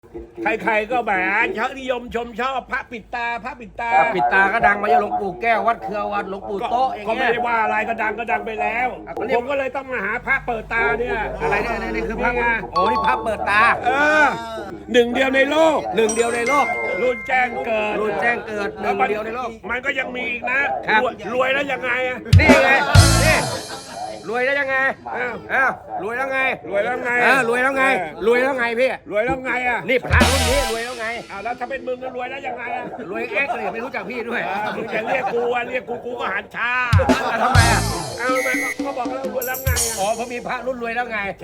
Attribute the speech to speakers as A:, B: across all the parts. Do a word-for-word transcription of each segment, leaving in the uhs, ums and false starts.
A: ใครๆก็แหมชอบนิยมชมชอบพระปิดตาพระปิดตา
B: ปิดตาก็ดังมาจากหลวงปู่แก้ววัดเครือวัดหลวงปู่โต๊ะอย่าง
A: ก็
B: เงี้
A: ไม่
B: ย
A: ได้ว่าอะไรก็ดังก็ดังไปแล้ว
B: อ่ะก็เรียก
A: ผมก็เลยต้องมาหาพระเปิดตาเนี่ย
B: อะไรเนี่ยนี่นี่คือพระ
A: นี่ไง
B: โอ้นี่พระเปิดตา
A: เออหนึ่งเดียวในโลก
B: หนึ่งเดียวในโลก
A: รุ่นแจ้งเกิด
B: รุ่นแจ้งเกิดหนึ่งเดียวในโลก
A: มันก็ยังมีอีกนะครับ รวยรวยแล้วยังไงอะ
B: นี่ไงนี่รวยแล้วยังไง
A: อ้าว
B: อ้าวรวยแล้วไง
A: รวยแล้วไง
B: เออรวยแล้วไงรวยแล้วไงพี่
A: รวยแล้วไงอะ
B: นี่พระรุ่นนี้รวยแล้วไง
A: อ้าวแล้วถ้าเป็นมึงก็รวยแล้วยังไงอะ
B: รวยเอ็กซ์เลยไม่รู้จักพี่ด้วย
A: อ่ามึงจะเรียกกูอะเรียกกูกูก็หันชา
B: แล้วทำไมอ่ะ
A: เอามันก็บอกแล้วรวยแล้วไงอะ
B: อ๋อเพราะมีพระรุ่นรวยแล้วไง
A: ใช่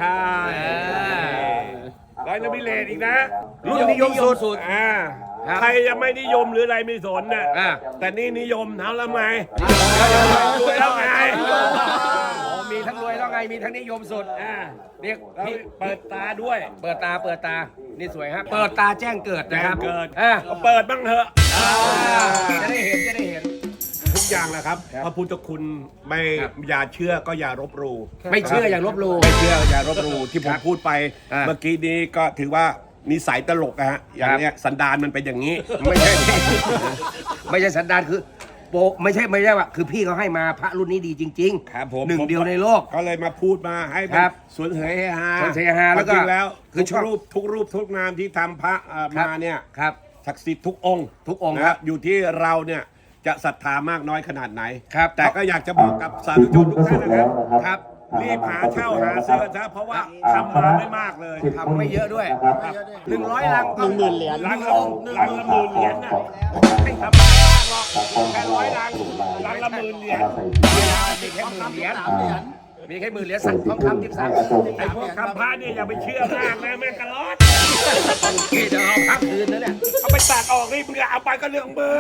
A: ร้อยนบิเลตอีกนะ
B: รุ่นนิยมสุด
A: อ่า
B: ครับ
A: ใครจะไม่นิยมหรืออะไรไม่สนน่ะ
B: อ่า
A: แต่นี่นิยมเท่าแล้วไงรวยแล้วไง
B: อ๋อมีทั้งรวยแล้วไงมีทั้งนิยมสุด
A: อ่า
B: เรียก
A: แล้ว
B: พี่
A: เปิดตาด้วย
B: เปิดตาเปิดตานี่สวยครับเปิดตาแจ้งเกิดนะครับ
A: แจ้งเกิด
B: อ่า
A: ก็เปิดบ้างเถอะ
B: อ่าจะได้เห็นจะได้เห็น
A: ทุกอย่างแหละครับพระพุทธคุณไม่
B: ครับ
A: อย่าเชื่อก็อย่ารบหลู่
B: ไม่เชื่ออย่างลบหลู่
A: ไม่เชื่ออย่ารบหลู่ที่ผมพูดไป
B: อ่า
A: เมื่อกี้นี้ก็ถือว่านิสัยตลกอะฮะอย่างเนี้ยสันดานมันเป็นอย่างนี้
B: ไม่ใช่ ไม่ใช่สันดานคือโปะไม่ใช่ไม่ใช่ว่าคือพี่เขาให้มาพระรุ่นนี้ดีจริงๆ
A: ครับผม
B: หนึ่ง
A: ผม
B: เดียวในโลก
A: ก็เลยมาพูดมาให้เป็
B: คน รับ
A: สวนเสยฮา
B: สวนเสยฮาแล้วก็
A: จริงๆแล้ว
B: คือ
A: ทุก
B: ชอบ
A: รูปทุกรูปทุกนามที่ทำพระเอ่อ
B: ครับ
A: มาเนี่ย
B: ครับ
A: ศักดิ์สิทธิ์ทุกองค์
B: ทุกองค์
A: นะครับ อยู่ที่เราเนี่ยจะศรัทธามากน้อยขนาดไหน
B: ครับ
A: แต่ก็อยากจะบอกกับสาธุชนทุกท่านนะครับ
B: ครับ
A: รีบหาเช่าหาซื้อซะเพราะว่าทำมาไม่มากเลย
B: ทำไม่เยอะด้วยหนึ่งร้อยลัง
A: หนึ่งหมื่นเหรียญลังละลังละหมื่นเหรียญน่ะไม่ทำมากหรอกแค่ร้อยลังลังละหมื่นเหรียญ
B: มีแค่หมื่นเหรียญมีแค่หมื่นเหรียญสั่งทองคำทิพย์สั่ง
A: ไอ้พวกคำพระเนี่ยอย่าไปเชื่อมากนะแม่งกระลอด
B: พี่จะเอาพักคืนนะเนี่ย
A: เอาไปตัดออกนี่มึงเอาไปก็เรื่องมึง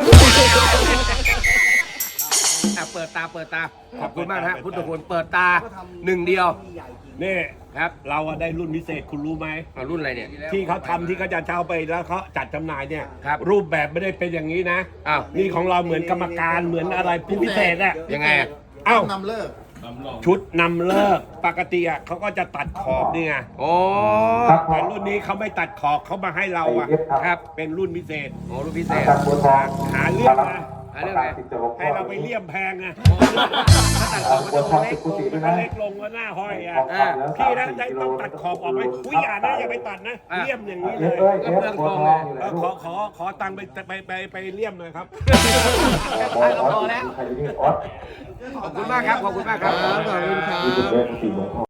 B: อ่ะเปิดตาเปิดตาขอบคุณมากนะฮะพุทธคุณเปิดตาหนึ่งเดียว
A: นี่
B: ครับ
A: เราอะได้รุ่นพิเศษคุณรู้ไหม
B: เอารุ่นอะไรเนี่ย
A: ที่เขาทำที่เขาจะเช่าไปแล้วเขาจัดจำหน่ายเนี่ย
B: ครับ
A: รูปแบบไม่ได้เป็นอย่างนี้นะ
B: อ้าว
A: นี่ของเราเหมือนกรรมการเหมือนอะไรผู้พิเศษอะ
B: ยังไงอ่ะ
A: เอ้า
C: นำเลิก
A: ชุดนำเลิกปกติอะเขาก็จะตัดขอบนี่ไง
B: โอ้
A: แต่รุ่นนี้เขาไม่ตัดขอบเขามาให้เราอะ
B: ครับ
A: เป็นรุ่นพิเศษ
B: โอ้รุ่นพิเศษ
A: หาเรื่องนะ
B: หาเรื่องอะไร
A: ให้เราไปเลี่ยมแพงไง
B: ถ้าตัดขอบก็ต้องเล็ก
A: มันก็เล็กลงก็หน้าห้อยอะ
B: อ่า
A: พี่นะได้ต้องตัดขอบออกไหมคุยอย่านะอย่าไปตัดนะ
B: อ่ะ
A: เลี่ยมอย่างนี้เลย
B: ก็เปลืองทองเลย
A: เออขอขอขอตังค์ไปไปไปไปเลี่ยมหน่อยครับ
B: ตายก็พอแล้ว ขอบคุณมากครับ ขอบคุณมากครับ
C: ขอบคุณครับ